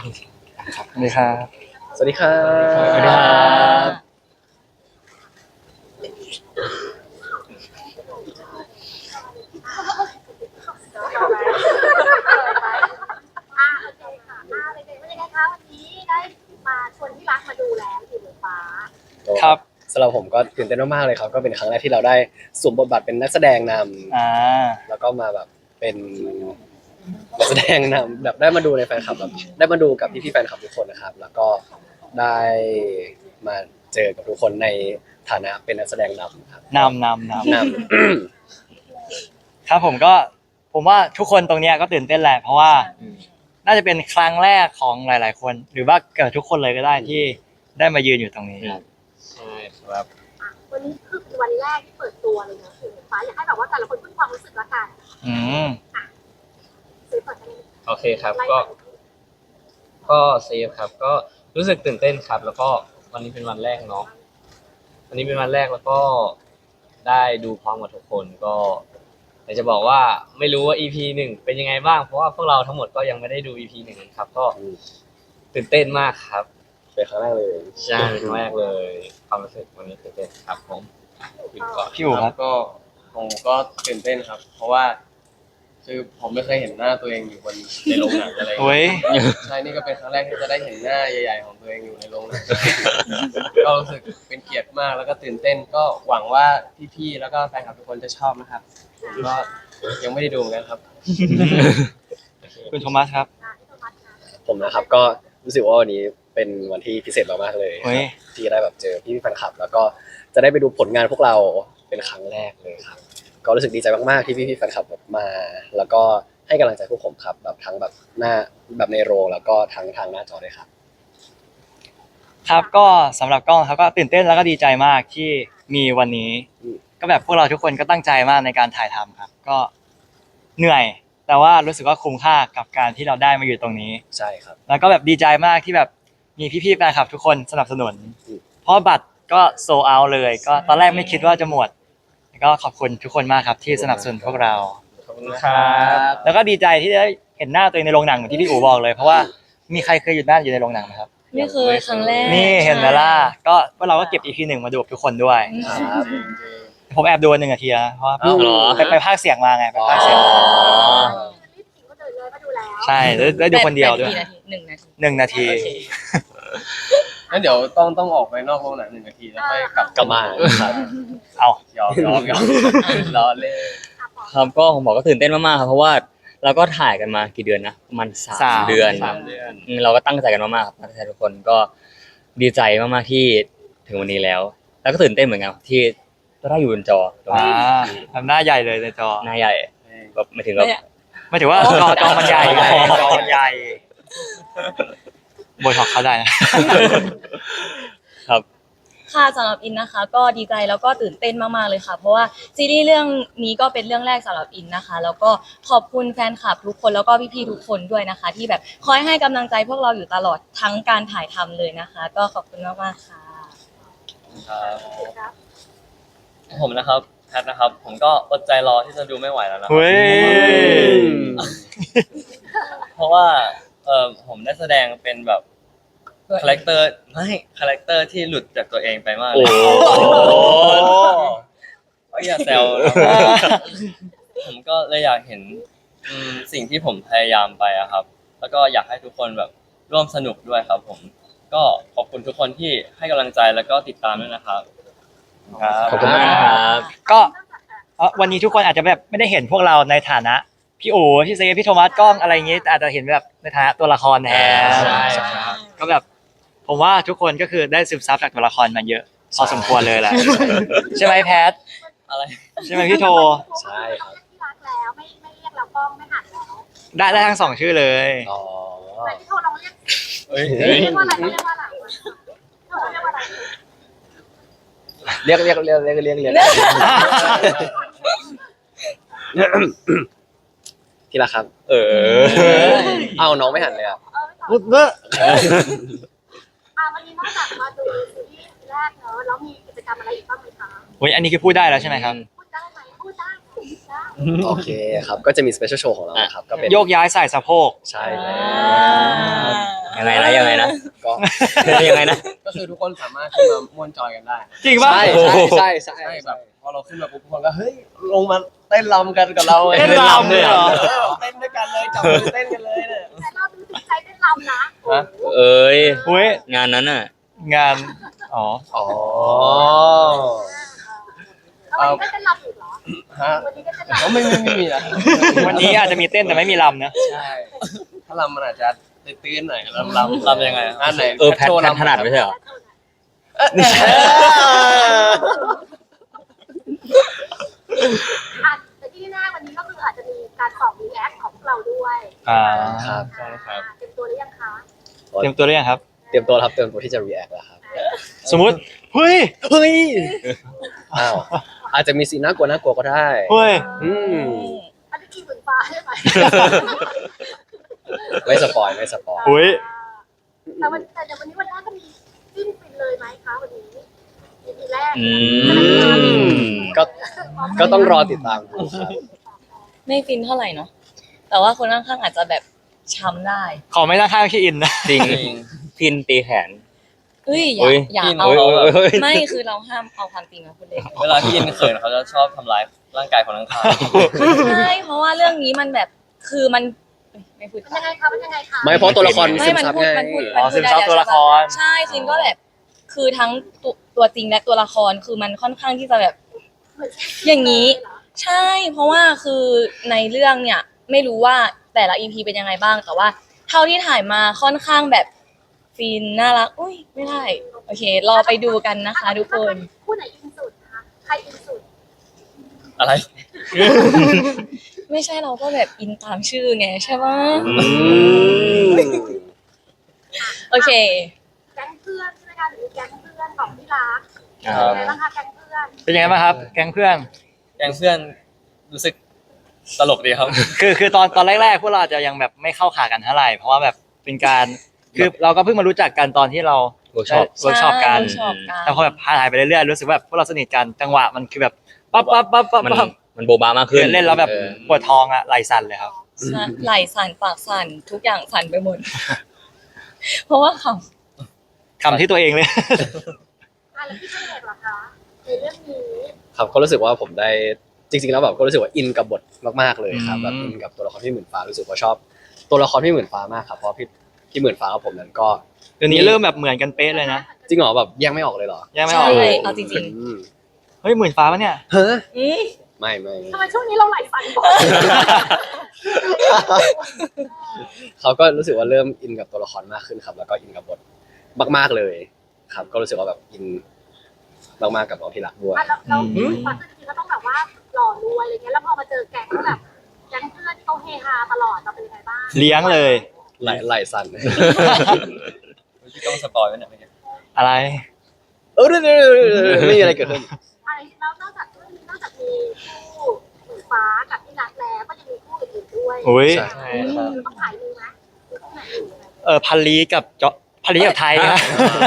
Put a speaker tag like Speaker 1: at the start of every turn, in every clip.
Speaker 1: สวัสดีครับ
Speaker 2: สวัสดีครับ
Speaker 1: สวัสดีครับ
Speaker 3: โอเคค่ะเป็นยังไงคะวันนี้ได้มาชวนที่รักมาดูแล้วอยู่บนฟ้า
Speaker 1: ครับ
Speaker 2: สำหรับผมก็ตื่นเต้นมากๆเลยครับก็เป็นครั้งแรกที่เราได้สวมบทบาทเป็นนักแสดงนำแล้วก็มาแบบเป็นนักแสดงนำแบบได้มาดูในแฟนคลับแบบได้มาดูกับพี่ๆแฟนคลับทุกคนนะครับ แล้วก็ได้มาเจอกับทุกคนในฐานะเป็นนักแสดงนำครับ
Speaker 1: นำ
Speaker 2: น
Speaker 1: ครับผมว่าทุกคนตรงเนี้ยก็ตื่นเต้นแหละเพราะว่าน่าจะเป็นครั้งแรกของหลาย ๆ คน หรือว่าเกิดทุกคนเลยก็ได้ที่ได้มายืนอยู่ตรงนี้
Speaker 2: ใช่ครับ
Speaker 3: วันนี้คือเป็นวันแรกที่เปิดตัวเลยนะอยู่บนฟ้าอยากให้แบบว่าแต่ละคนพูดความรู้สึกละกัน
Speaker 1: อืม
Speaker 3: ซื้อเปิดกันเลย
Speaker 4: โอเคครับก็เซฟครับก็รู้สึกตื่นเต้นครับ แล้วก็วันนี้เป็นวันแรกเนาะวันนี้เป็นวันแรกแล้วก็ได้ดูพร้อมกับทุกคนก็อยากจะบอกว่าไม่รู้ว่า EP 1เป็นยังไงบ้างเพราะว่าพวกเราทั้งหมดก็ยังไม่ได้ดู EP 1ครับก็ตื่นเต้นมากครับ
Speaker 2: เป็นครั้งแรกเลย
Speaker 4: ใช่เป็นครั้งแรกเลยความรู้สึกวันนี้ตื่นเต้นครับผมอยู่ก่อน
Speaker 1: พี่อู๋ครับ
Speaker 5: ก็ผมก็ตื่นเต้นครับ เพราะว่าคือผมไม่เคยเห็นหน้าตัวเองอยู่บนในโรงหนังอะไรอย่าง
Speaker 1: โอ้
Speaker 5: เงี้ย
Speaker 1: ย
Speaker 5: ใช่นี่ก็เป็นครั้งแรกที่จะได้เห็นหน้าใหญ่ๆของตัวเองอยู่ในโรงหนัง ก็รู้สึกเป็นเกียรติมากแล้วก็ตื่นเต้นก็หวังว่าพี่ๆแล้วก็แฟนคลับทุกคนจะชอบนะครับผมก็ยังไม่ได้ดูเหมือนกันครับ
Speaker 1: คุณโทมัสครับ
Speaker 3: ที่โทมัสนะ
Speaker 2: ผมนะครับก็รู้สึกว่าวันนี้เป็นวันที่พิเศษมากๆเลย
Speaker 1: เฮ้ย
Speaker 2: ที่ได้แบบเจอพี่ๆแฟนคลับ แล้วก็จะได้ไปดูผลงานพวกเราเป็นครั้งแรกเลยครับ ก็รู้สึกดีใจมากๆที่พี่ๆแฟนคลับแบบมา แล้วก็ให้กำลังใจพวกผมครับแบบทั้งแบบหน้าแบบในโรงแล้วก็ทั้งทางหน้าจอด้วยครับ
Speaker 1: ครับก็สำหรับกล้องครับก็ตื่นเต้นแล้วก็ดีใจมากที่มีวันนี้ ก็แบบพวกเราทุกคนก็ตั้งใจมากในการถ่ายทำครับ ก็เหนื่อย แต่ว่ารู้สึกว่าคุ้มค่ากับการที่เราได้มาอยู่ตรงนี้
Speaker 2: ใช่ครับ
Speaker 1: แล้วก็แบบดีใจมากที่แบบมีพี่ๆแฟนคลับทุกคนสนับสนุน
Speaker 2: อืม
Speaker 1: เพราะบัตรก็โซเอาเลย ก็ตอนแรกไม่คิดว่าจะหมดก็ขอบคุณทุกคนมากครับที่สนับสนุนพวกเรา
Speaker 5: ขอบคุณครับ
Speaker 1: แล้วก็ดีใจที่ได้เห็นหน้าตัวเองในโรงหนังเหมือนที่พี่อู๋บอกเลย เพราะว่ามีใครเคยอยู่หน้าอยู่ในโรงหนังไหมครับ
Speaker 6: ไม่เคยครั้งแรก
Speaker 1: นี่เห็นไหมล่ะก็พวกเราก็เก็บ EP 1มาดูกับทุกคนด้วย
Speaker 2: ครับ
Speaker 1: ผมแอบดู1 นาทีนะเพราะว่า
Speaker 2: เอ้าเหรอ
Speaker 1: ไปพากย์เสียงมาไงไปพากย์เสียงมา
Speaker 3: รีบขิงก็เดินเลยมาดูแล้ว
Speaker 1: ใช่ได้ดูคนเดียวด้วย
Speaker 6: แปกี่นาที1 นาที
Speaker 1: 1 นาที
Speaker 6: โอเค
Speaker 5: งั้นเดี๋ยวต้องออกไปนอกโรงหนัง1 นาทีแล้วค่อยกลับ
Speaker 2: มาครับ
Speaker 1: เอา
Speaker 5: ยอมล้อเล่น
Speaker 6: ครับก็ผมบอกก็ตื่นเต้นมากๆครับเพราะว่าเราก็ถ่ายกันมากี่เดือนนะประมาณ3 เดือน
Speaker 5: 3 เดือน
Speaker 6: เราก็ตั้งใจกันมากๆครับนักแสดงทุกคนก็ดีใจมากๆที่ถึงวันนี้แล้ว แล้วก็ตื่นเต้นเหมือนกันที่ได้อยู่บนจอตรงนี้
Speaker 1: ทำหน้าใหญ่เลยในจอ
Speaker 6: หน้าใหญ่แบบไม่ถึงกับ
Speaker 1: ไม่ถือว่าจอมันใหญ่ไงจอมันใหญ่โบยท็อกเขาได้นะ
Speaker 6: ครับ
Speaker 7: ค่ะสำหรับอินนะคะ ก็ดีใจแล้วก็ตื่นเต้นมากๆเลยค่ะ เพราะว่าซีรีส์เรื่องนี้ก็เป็นเรื่องแรกสำหรับอินนะคะ แล้วก็ขอบคุณแฟนคลับทุกคนแล้วก็พี่ๆทุกคนด้วยนะคะ ที่แบบคอยให้กำลังใจพวกเราอยู่ตลอดทั้งการถ่ายทำเลยนะคะ ก็ขอบคุณมากๆค่ะ
Speaker 3: ครับ
Speaker 4: ผมนะครับแพทนะครับ ผมก็อดใจรอที่จะดูไม่ไหวแล้วนะ
Speaker 1: เฮ้ย
Speaker 4: เพราะว่าผมได้แสดงเป็นแบบคาแรคเตอร์ที่หลุดจากตัวเองไปมากเล
Speaker 2: โอ้
Speaker 4: ย
Speaker 2: โห
Speaker 4: ก็อย่าแซวนะ ผมก็เลยอยากเห็นสิ่งที่ผมพยายามไปอะครับ แล้วก็อยากให้ทุกคนแบบร่วมสนุกด้วยครับ ผมก็ขอบคุณทุกคนที่ให้กำลังใจแล้วก็ติดตามด้วยนะครับ
Speaker 2: ขอบคุณมากครับ
Speaker 1: ก็วันนี้ทุกคนอาจจะแบบไม่ได้เห็นพวกเราในฐานะพี่อู๋พี่เซฟพี่โทมัสกล้องอะไรอย่างงี้แต่อาจจะเห็นแบบในฐานะตัวละครแทน
Speaker 4: ใช่ครับ
Speaker 1: ก็แบบผมว่าทุกคนก็คือได้ซึมซับจากตัวละครมาเยอะพอสมควรเลยแหละใช่ไหมแพท
Speaker 4: อะไร
Speaker 1: ใช่ไหมพี่โท
Speaker 2: ใช่ครับ
Speaker 3: ที่รักแล้วไม่เรียกเรากล้องไม่หันแล้ว
Speaker 1: ได้ทั้ง2 ชื่อเลย
Speaker 2: อ๋อ
Speaker 3: แต่ที่โทรลองเรียก
Speaker 4: เฮ้ย
Speaker 3: เรียกว่าอะไรเรียกว่าอะไรเรียกว่าอะไร
Speaker 2: เรียกที่รักครับ เอ้าน้องไม่หันเลยอ่ะ
Speaker 1: ปุ๊บเบ้อ
Speaker 3: วันนี้นอกจากมาดูซีรีส์แรกเนอะแล้วมีกิจกรรมอะไรอีกบ้างไหมคะ
Speaker 1: เฮ้ยอันนี้คือพูดได้แล้วใช่ไหมครับ
Speaker 3: พูดได้ไหมพูดได้พูดได้
Speaker 2: โอเคครับ ก็จะมีสเปเชียลโชว์ของเรานะครับ ก็เป็น
Speaker 1: โยกย้ายใส่สะโพก
Speaker 2: ใช่เลย
Speaker 1: ไง
Speaker 6: ยังไงนะ
Speaker 5: ก็คือทุกคนสามารถขึ้นมาม่วนจอยกันได้
Speaker 1: จริงป่ะ
Speaker 2: ใช่
Speaker 6: โอ้โห
Speaker 2: ใช่ใช่
Speaker 5: ใช่แบบพอเราขึ้นมาปุ๊บทุกคนก็เฮ้ยลงมาเต้นรำกันกับเรา
Speaker 1: เต้นรำเลยเหรอ
Speaker 5: เต้นด้วยกันเลยจับมือเต้นกันเลยเนี่ย
Speaker 3: แต่เราดูติดใจเต้นรำนะ
Speaker 5: ฮะ
Speaker 6: เอ้ย
Speaker 1: อุ้ย
Speaker 6: งานนั้นอ่ะ
Speaker 1: งานอ๋อ
Speaker 2: อ๋อ
Speaker 3: แล้ววันนี้ก็เต้นรำอีกเหรอ
Speaker 5: ฮะ
Speaker 3: วันนี้ก็เต้นร
Speaker 5: เขาไม่มีนะ
Speaker 1: วันนี้อาจจะมีเต้นแต่ไม่มีลำนะ
Speaker 5: ใช่ถ้ารำมันอาจจะตื้นๆหน่อยรำยังไงอันไหน
Speaker 6: แพทถนัดไม่ใช่เหรอ
Speaker 3: อ่ะแต่ที่แน่วันนี้ก็คืออาจจะมีการสอบรีแอคของพวกเราด้วย
Speaker 1: อ่า
Speaker 2: ครับ
Speaker 5: ใช่ครับ
Speaker 3: เตรียมตัวหรือยังคะ
Speaker 1: เตรียมตัวหรือยังครับ
Speaker 2: เตรียมตัวครับเตรียมตัวที่จะ react แล้วครับ
Speaker 1: สมมุติเฮ้ย
Speaker 2: เฮ้ยอ้าวอาจจะมีสีน่ากลัวก็ได้
Speaker 1: เฮ้ย
Speaker 2: อืม
Speaker 3: อันนี้คือเหมือนฟ้าใช่ไหม
Speaker 2: ไม่สปอยไม่สปอย
Speaker 1: อุ้ย
Speaker 3: แต่วันนี้วันแรกก็มีจิ้นฟินเลยไหมคะวันนี้ทีแรก
Speaker 6: อืม
Speaker 2: ก็ต้องรอติดตามดูครับ
Speaker 7: ไม่ฟินเท่าไหร่เนาะแต่ว่าคนข้างๆอาจจะแบบช้ำได้
Speaker 1: ขอไม่ตั้งข้างที่อินนะ
Speaker 6: จริงพินตีแขน
Speaker 7: เอ้ยอ
Speaker 6: โอ้
Speaker 7: ย่าย อย่า
Speaker 6: โอ้
Speaker 7: เอา
Speaker 6: ยโอ้ยโอ้ย
Speaker 7: ไม่คือเราห้ามเอาความจริงมาพูดเล่น
Speaker 4: เวลาที่อินเขินเขาจะชอบทำร้ายร่างกายคนข้าง
Speaker 7: ใช่เพราะว่าเรื่องนี้มันแบบคือมันไม่พูด
Speaker 3: มันยังไงคะมันยังไงคะ
Speaker 2: ไม่เพราะตัวละคร
Speaker 7: ไม่
Speaker 2: ซึม
Speaker 7: มัน
Speaker 2: ซับ
Speaker 7: พูด
Speaker 2: ไง
Speaker 7: มันพูด
Speaker 1: อ๋อซึมซับตัวละคร
Speaker 7: ใช่ซินก็แบบคือทั้งตัวจริงและตัวละครคือมันค่อนข้างที่จะแบบ อย่างนี้ ใช่ เพราะว่าคือในเรื่องเนี่ย ไม่รู้ว่าแต่ละ EP เป็นยังไงบ้าง แต่ว่าเท่าที่ถ่ายมาค่อนข้างแบบฟินน่ารักอุ้ยไม่ได้ โอเค รอไปดูกันนะคะทุกคน
Speaker 3: คู่ไหนอินสุดคะใครอินสุด
Speaker 4: ๆอะไร
Speaker 7: ไม่ใช่เราก็แบบอินตามชื่อไงใช่ไหม
Speaker 2: อืม
Speaker 7: โอเค
Speaker 3: แก๊งเพื่อนใช่ไหมคะหรือแก๊งเพื่อนของพี่รัก
Speaker 6: อ่า
Speaker 3: เป็นไงบ้างคะแก๊งเพื่อน
Speaker 1: เป็นยังไงบ้างครับ แก๊งเพื่อน
Speaker 4: แกงเพื่อนรู้สึกตลกดีครับ
Speaker 1: คือตอนแรกๆพวกเราอาจจะยังแบบไม่เข้าขากันเท่าไหร่เพราะว่าแบบเป็นการคือเราก็เพิ่งมารู้จักกันตอนที่เรา
Speaker 6: เวิร์กช็อป
Speaker 1: เวิร์กช็อปกัน
Speaker 7: ใช่ workshop กัน
Speaker 1: แต่พอแบบถ่ายไปเรื่อยๆรู้สึกแบบพวกเราสนิทกันจังหวะมันคือแบบปั๊บปั๊บปั๊บปั๊บ
Speaker 6: มัน
Speaker 1: ปั๊บ
Speaker 6: มันโบบามากขึ้น
Speaker 1: เล่นแล้วแบบ
Speaker 6: ออ
Speaker 1: ปวดท้องอะไหล่สั่นเลยครับ
Speaker 7: ใช่ไหล่สั่นปากสั่นทุกอย่างสั่นไปหมด เพราะว่าข
Speaker 1: คำที่ตัวเองเลย
Speaker 3: อ่ะแล้วพี่เชษเหรอคะในเรื่องนี้
Speaker 2: ครับก็รู้สึกว่าผมได้จริงๆแล้วแบบก็รู้สึกว่าอินกับบทมากๆเลยครับ
Speaker 1: อืม
Speaker 2: แบบอินกับตัวละครพี่หมื่นฟ้ารู้สึกว่าชอบ ตัวละครพี่หมื่นฟ้ามากครับเพราะพี่หมื่นฟ้ากับผมนั้นก็
Speaker 1: เดี๋ยวนี้เริ่มแบบเหมือนกันเป๊ะเลยนะ
Speaker 2: จริงเหรอแบบแยกไม่ออกเลยเหรอ
Speaker 1: ยัง
Speaker 7: ำ
Speaker 1: ไม่ออก
Speaker 7: ใช่
Speaker 1: เลย
Speaker 7: เอาจริง
Speaker 2: อืม
Speaker 1: เฮ้ยหมื่นฟ้าปะเนี่ย
Speaker 2: เฮ้ย
Speaker 7: ๆอืม
Speaker 2: ไม่
Speaker 3: ทำไมช่วงนี้เราไหลสั่นบ่อย
Speaker 2: เขาก็รู้สึกว่าเริ่มอินกับตัวละครมากขึ้นครับ แล้วก็อินกับบทมากๆเลย ครับ ก็รู้สึกว่าแบบอินมากๆกับน้องที่รักด้วย
Speaker 3: อ่ะเราความจริงๆก็ต้องแบบว่าหล่อรวยอะไรเงี้ยแล้วพอมาเจอแก๊งแบบแก๊งเพื่อนที่เขาเฮฮาตลอดเราเป็นยังไงบ้าง
Speaker 1: เลี้ยงเลย
Speaker 2: ไหลสั่น
Speaker 4: พี่ต้องสปอยไว้หน่อยไหมเนี่ย
Speaker 1: อะไร
Speaker 2: ไม่มีอะไรเกิดขึ้น
Speaker 3: อะไรแล้วนอกจากเรื่องนี้นอกจากมีคู่หมูฟ้ากับที่รักแล้วก็จะมีคู่อื่นๆด้วย
Speaker 1: อุ้ย
Speaker 2: ใช่
Speaker 4: ใช่ครับ
Speaker 3: ต้องถ่ายมีไหมมีคู่ไหนอยู่ไหม
Speaker 1: พันลีกับเจาะพันลีกับไทยนะ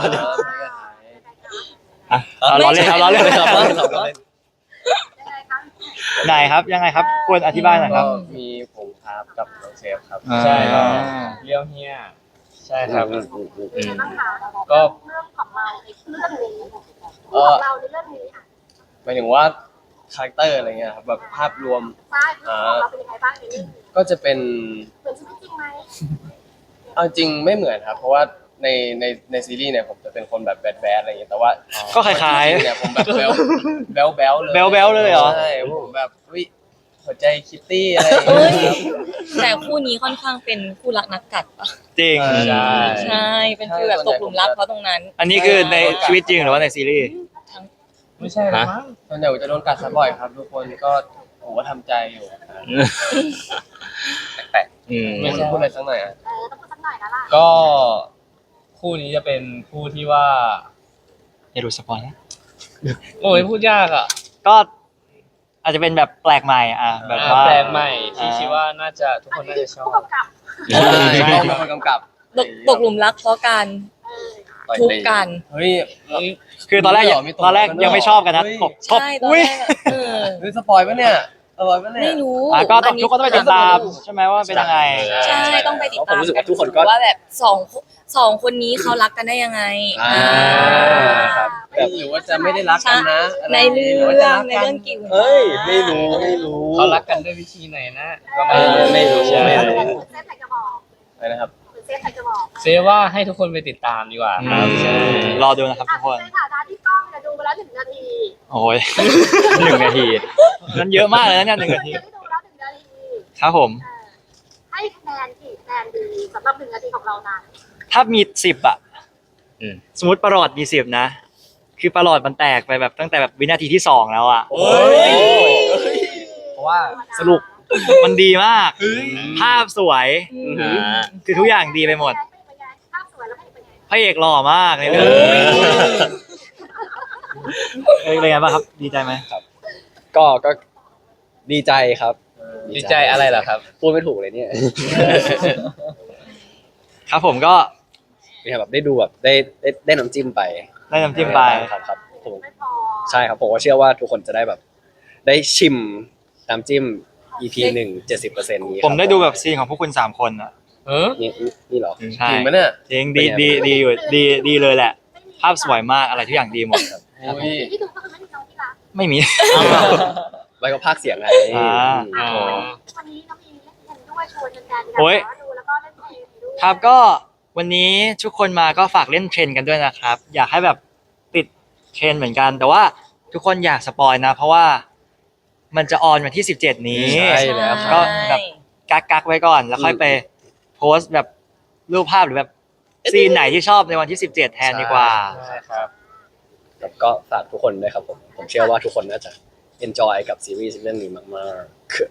Speaker 3: ยังไงคะ
Speaker 1: ล้อเล่นครับล้อเล่น
Speaker 2: ครับ
Speaker 3: ยังไงคะ
Speaker 1: ไหนครับยังไงครับควรอธิบายหน่อยครับ
Speaker 5: ก็มีผมครับกับน้องเซฟครับ
Speaker 1: อ่า
Speaker 4: ใช่ครับเลี้ยวเฮียใช่ครับ
Speaker 3: เป็นไงบ้างคะ
Speaker 4: ก็
Speaker 3: เรื่องของเราในเรื่องนี้คู่ของเราในเรื่องนี้อ่ะ
Speaker 5: หมายถึงว่าคาแรคเตอร์อะไรเงี้ยครับแบบภาพรวม
Speaker 3: ใช่คู่ของเราเป็นยังไงบ้างในเรื่องนี้
Speaker 5: ก็จะเป็น
Speaker 3: เหมือนชีวิตจริงไหม
Speaker 5: เอาจริงไม่เหมือนครับ เพราะว่าในซีรีส์เนี่ยผมจะเป็นคนแบบแบดๆอะไรอย่างเงี้ยแต่ว่า
Speaker 1: ก็คล้ายๆ
Speaker 5: จริงๆเนี่ยผมแบบแบ๊วเลย
Speaker 1: แบ๊วๆเลยเหรอ
Speaker 5: ใช่ผมแบบวิหัวใจคิตตี้อะไรอย่างเงี้ยครับ
Speaker 7: แต่คู่นี้ค่อนข้างเป็นคู่รักนักกัดปะ
Speaker 1: จริง
Speaker 5: ใช่
Speaker 7: ใช่ เป็นฟีลแบบตกหลุมรักเพราะตรงนั้น
Speaker 1: อันนี้คือในชีวิตจริงหรือว่าในซีรีส์
Speaker 4: ไม่ใช่หรอ
Speaker 6: ฮะ
Speaker 4: มั้ง
Speaker 5: ส่วนใหญ่ผมจะโดนกัดซะบ่อยครับ ทุกคนก็ผมก็ทำใจอยู่ครับแปลก
Speaker 6: อืม
Speaker 5: ๆไม่พูดอะไรสักหน่อยอ่ะ
Speaker 3: ต้องพูดสักหน่อยนะล่ะ
Speaker 4: ก็คู่นี้จะเป็นคู่ที่ว่า
Speaker 1: อย่าดูสปอยนะ
Speaker 4: โอ้ยพูดยากอ่ะ
Speaker 1: ก็อาจจะเป็นแบบแปลกใหม่แบบว่า
Speaker 4: แปลกใหม่ที่คิดว่าน่าจะทุกคนน่าจะชอบ
Speaker 3: ผู้กำกับ
Speaker 5: ใช่ต้องเป็นคนกำกับ
Speaker 7: ตกหลุมรักเพราะการ
Speaker 5: ต่อย
Speaker 7: ทุก
Speaker 5: ตี
Speaker 7: ข์กัน
Speaker 5: เฮ้ย
Speaker 1: คือตอนแรก
Speaker 5: มีเหรอมีตรง
Speaker 1: ตอนแรก
Speaker 5: นั้นด้วย
Speaker 1: ยังไม่ชอบกันนะ
Speaker 5: เฮ้ย
Speaker 1: ตบ
Speaker 7: ใช่ตอน
Speaker 1: อุ้ย
Speaker 7: แรกอะ
Speaker 5: หรือสปอยล์ปะเนี่ยอร่อยไหมเนี่ย
Speaker 7: ไม่รู้
Speaker 1: ก็ต้องทุกคนต้องไปติดตามใช่ไหมว่าเป็นยังไง
Speaker 7: ใช่ต้องไปติด
Speaker 2: ผ
Speaker 7: ตาม ม
Speaker 2: รู้สึกว่าทุกคนก็
Speaker 7: ว่าแบบสองคนนี้เขารักกันได้ยังไง
Speaker 2: ครับ
Speaker 5: หรือว่าจะไม่ได้รักกันนะ
Speaker 7: ในเรื่
Speaker 5: หว่าจะ
Speaker 7: อง
Speaker 5: รัก
Speaker 7: ใน
Speaker 5: กัน
Speaker 7: เรื่องกิว
Speaker 2: เฮ้ยไม่รู้
Speaker 4: เขารักกันด้วยวิธีไหนนะ ก็
Speaker 2: ไม่รู้
Speaker 4: ใช่
Speaker 2: ไม่รู้
Speaker 3: เซฟใครจะบอก
Speaker 5: อะไรนะครับ
Speaker 3: เซฟใครจะบอก
Speaker 4: เซว่าให้ทุกคนไปติดตามดีกว่าครับใช่
Speaker 1: รอดูนะครับทุกคน
Speaker 3: ในฐานะที่กล้องจะดูไปแล้ว1 นาที
Speaker 1: โอ้ย 1 นาทีมันเยอะมากเลยนะเนี่ย1 นาที
Speaker 3: จะได้ดูแล้ว1 นาที
Speaker 1: ครับผม
Speaker 3: ให้คะแนนกี่คะแนนดีสำหรับ1 นาทีของเรานั้น
Speaker 1: ถ้ามี10อ่ะ
Speaker 6: อืม
Speaker 1: สมมติประหลอดมี10นะ คือประหลอดมันแตกไปแบบตั้งแต่แบบวินาทีที่2แล้วอ่ะ
Speaker 2: โอ้ย
Speaker 1: เพราะว่า
Speaker 2: สรุป
Speaker 1: มันดีมาก ภาพสวย
Speaker 6: อ่า
Speaker 1: คือทุกอย่างดีไปหมด
Speaker 3: ภาพสวยแล้วเป็นยังไง
Speaker 1: พระเอกหล่อมากในเรื่องเป็นไงบ้างครับ ดีใจไหม
Speaker 2: ก็ดีใจครับ
Speaker 4: ดีใจอะไรเหรอครับ
Speaker 2: พูดไม่ถูกเลยเนี่ย
Speaker 1: ครับผมก็
Speaker 2: เนี่ยแบบได้ดูแบบได้น้ำจิ้มไป
Speaker 1: ได้น้ำจิ้มไป
Speaker 2: ครับผม
Speaker 3: ไม่พอ
Speaker 2: ใช่ครับผมก็เชื่อว่าทุกคนจะได้แบบ ได้ชิมน้ำจิ้ม EP 1 70%นี้ครับ
Speaker 1: ผมได้ดูแบบซีนของพวกคุณ3 คนอ่ะ
Speaker 2: นี่เหรอ
Speaker 1: ใช่
Speaker 5: จริงไหมเนี่ย
Speaker 1: จริงดีอยู่ดีเลยแหละ ภาพสวยมากอะไรทุกอย่างดีหมด
Speaker 5: อุ้ย
Speaker 3: ที่ดูก็คือไม่มีน้องที่รัก
Speaker 1: ไม่มี
Speaker 2: ไว้ก็พากย์เสียงไง
Speaker 1: อ่า
Speaker 2: อืม
Speaker 3: วันนี้น้องมีเล่นเพลงด้วยชวนแฟนๆ
Speaker 1: โอ้ย
Speaker 3: ดูแล้วก็เล่นเพลงด้วย
Speaker 1: ครับก็วันนี้ทุกคนมาก็ฝากเล่นเทรนกันด้วยนะครับ อยากให้แบบติดเทรนเหมือนกัน แต่ว่าทุกคนอยากสปอยนะ เพราะว่ามันจะออนวันที่17นี้
Speaker 2: ใช่แล้วครับ
Speaker 1: ก็แบบกักไว้ก่อน แล้วค่อยไปโพสต์แบบรูปภาพหรือแบบซีนไหนที่ชอบในวันที่17แทนดีกว่า
Speaker 4: ใช่ครับ
Speaker 2: แล้วก็ฝากทุกคนด้วยครับผมเชื่อว่าทุกคนน่าจะ enjoy กับซีรีส์เรื่องนี้มากๆครับ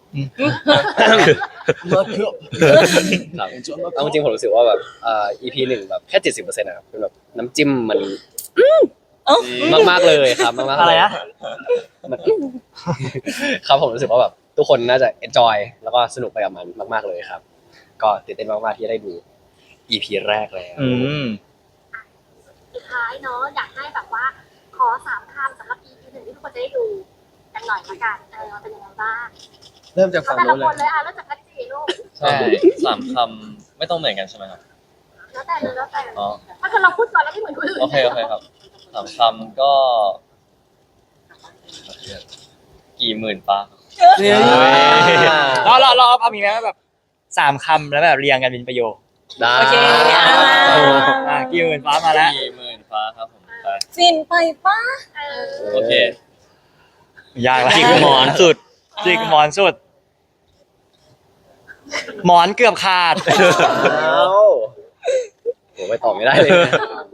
Speaker 2: เอาจริงๆผมรู้สึกว่าแบบEP 1แบบแค่ 70%นะครับเป็นแบบน้ำจิ้มมันมากๆเลยครับมากๆเลย
Speaker 1: อะไรนะ
Speaker 2: ครับผมรู้สึกว่าแบบทุกคนน่าจะ enjoy แล้วก็สนุกไปกับมันมากๆเลยครับ ก็ตื่นเต้นมากๆที่ได้ดู EP แรกแล้ว
Speaker 1: อืม
Speaker 3: สุดท้ายเนาะอยากให้แบบว่าขอ3 คำสำหรับ EP 1ที่ทุกคนจะได้ดูกันหน่อยละกันเป็นยังไงบ้าง
Speaker 5: เริ่มจาก
Speaker 3: เอา
Speaker 5: ฝั่ง
Speaker 3: แต่ละ
Speaker 5: นู้น
Speaker 3: ค
Speaker 5: เล
Speaker 3: น
Speaker 5: ย
Speaker 3: เลยเริ่มจากคัตจีลูก
Speaker 4: ใช่
Speaker 8: 3 คำไม่ต้องเหมือนกันใช่ไหมครับ
Speaker 3: แล้วแต่เลยแล้วแต่
Speaker 8: อ๋อ
Speaker 3: ถ้าเกิดเราพูดก่อนแล้วไม่เหมือนคนอื่น
Speaker 8: โอเคครับ3 คำก็ กี่หมื่นฟ้า
Speaker 1: เราเอามีไหมว่าแบบ3 คำแล้วแบบเรียงกันเป็นประโยค
Speaker 2: ได้
Speaker 7: โอเคอ่า
Speaker 1: กี่หมื่นฟ้ามาแล้ว
Speaker 8: กี่หมื่นฟ้าครับผมไป
Speaker 7: ฟินไปป้า
Speaker 8: โอเค
Speaker 1: ยากละ
Speaker 6: จิกหมอนสุด
Speaker 1: จิกหมอนสุด หมอนเกือบขาด
Speaker 2: อ้าวผมไปต่อไม่ได้เลยนะ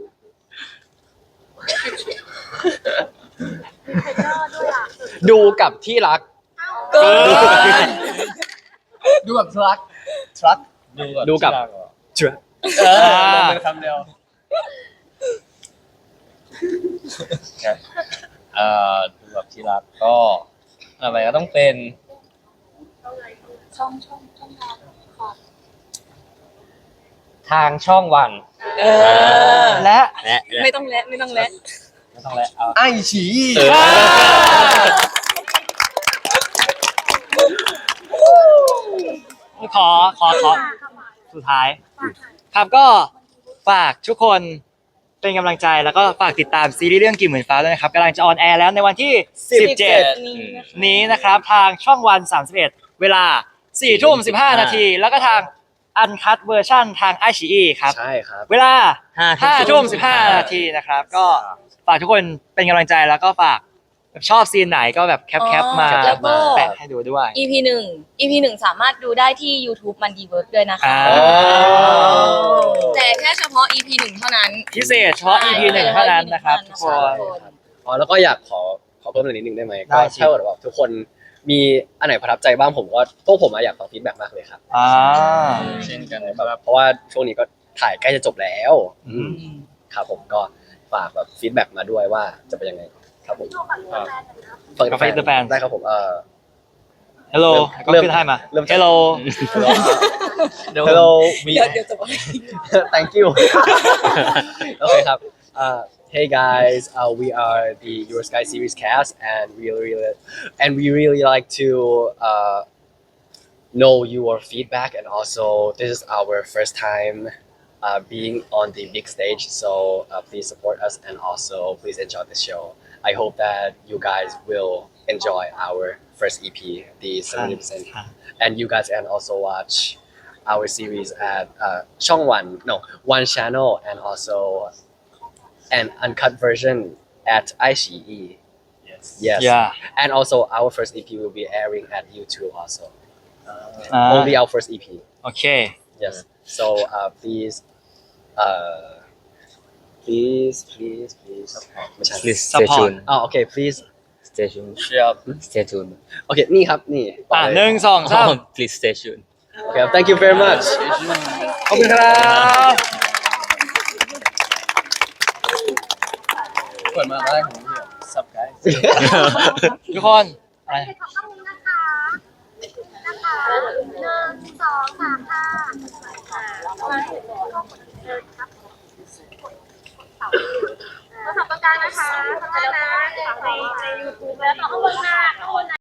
Speaker 3: เทรนเนอร์ด้วยอ่ะ
Speaker 2: ดูกับที่รัก
Speaker 7: เกิน
Speaker 5: ดูแบบทรัค
Speaker 2: ดูกับ
Speaker 5: เป็นคำเดียว
Speaker 8: ดูแบบที่รักก็อะไรก็ต้องเป็น
Speaker 3: ช่องทางของ
Speaker 4: ทางช่องวัน
Speaker 7: เออ
Speaker 1: และ
Speaker 6: และ
Speaker 7: ไม่ต้องและไม่ต้องและ
Speaker 8: ไม่ต้องแล้วเอา
Speaker 5: ไอ้ฉี
Speaker 1: ขอสุดท้าย ครับก็ฝากทุกคนเป็นกำลังใจแล้วก็ฝากติดตามซีรีส์เรื่องกี่หมื่นฟ้าด้วยนะครับกำลังจะออนแอร์แล้วในวันที่ 17 นี้นะครับ ทางช่องวัน 31 เวลา 4:15 นาที แล้วก็ทางอันคัตเวอร์ชันทางไอชีครับ
Speaker 2: ใช่ครับ
Speaker 1: เวลา
Speaker 6: 5:15
Speaker 1: นาทีนะครับ ก็ฝากทุกคนเป็นกำลังใจแล้วก็ฝากชอบซีนไหนก็แบบแคปมา
Speaker 7: แล้วก็
Speaker 1: แปะให้ดูด้วย
Speaker 7: EP หนึ่งสามารถดูได้ที่ YouTube มันดีเวิร์กด้วยนะคะ
Speaker 1: อ๋อ
Speaker 7: แต่แค่เฉพาะ EP หนึ่งเท่านั้น
Speaker 1: พิเศษเฉพาะ EP 1 เท่านั้นนะครับทุกคน
Speaker 2: อ๋อแล้วก็อยากขอเพิ่มอีกนิดนึงได้ไหม
Speaker 1: ได้
Speaker 2: ก็
Speaker 1: สิ
Speaker 2: ถ้าเกิดแบบทุกคนมีอันไหนประทับใจบ้างผมก็พวกผมอะอยากฟังฟีดแบ็กมากเลยครับ
Speaker 1: อ่า
Speaker 8: เช่นกันนะครับ
Speaker 2: เพราะว่าช่วงนี้ก็ถ่ายใกล้จะจบแล้วครับผมก็ฝากแบบฟีดแบ็กมาด้วยว่าจะเป็นยังไงครับผม
Speaker 3: ที่เราฝั่งแฟนกันนะ
Speaker 2: ฟัง
Speaker 1: กาแฟเดอะแฟน
Speaker 2: ได้ครับผม
Speaker 1: Hello ก็
Speaker 2: เริ่ม
Speaker 1: ขึ้นให้มา
Speaker 2: เริ่ม
Speaker 1: Hello
Speaker 2: Hello
Speaker 7: เดี๋ยวจะบอก
Speaker 2: thank you โอเคครับ Hey guys, we are the Your Sky series cast, and we really like to know your feedback, and also this is our first time being on the big stage, so please support us and also please enjoy the show. I hope that you guys will enjoy our first EP, the 70%, and you guys can also watch our series at Chong One, no, One Channel, and also an uncut version at iQIYI. Yes.
Speaker 1: Yeah.
Speaker 2: And also our first EP will be airing at YouTube also.
Speaker 1: Ah.
Speaker 2: Only our first EP.
Speaker 1: โอเค
Speaker 2: Yes. So please
Speaker 6: please stay
Speaker 1: Support.
Speaker 6: tuned
Speaker 2: okay, please.
Speaker 6: stay tuned stay tuned
Speaker 2: โอเคนี่ครับนี่ต่อ
Speaker 1: อ่ะ
Speaker 2: เลย
Speaker 1: หนึ่งสองสาม
Speaker 6: please stay tuned
Speaker 2: Okay, thank you very much.
Speaker 1: ขอบคุณครับ
Speaker 5: เปิดมาแรกผมเนี่ยสับไกด์
Speaker 1: ทุกคนอะไร
Speaker 3: โอเคขอบคุณนะคะ1 2 3ค่ะขอบคุณการนะคะขอบคุณนะในยูทูบแล้วต่อข้างบนหน้า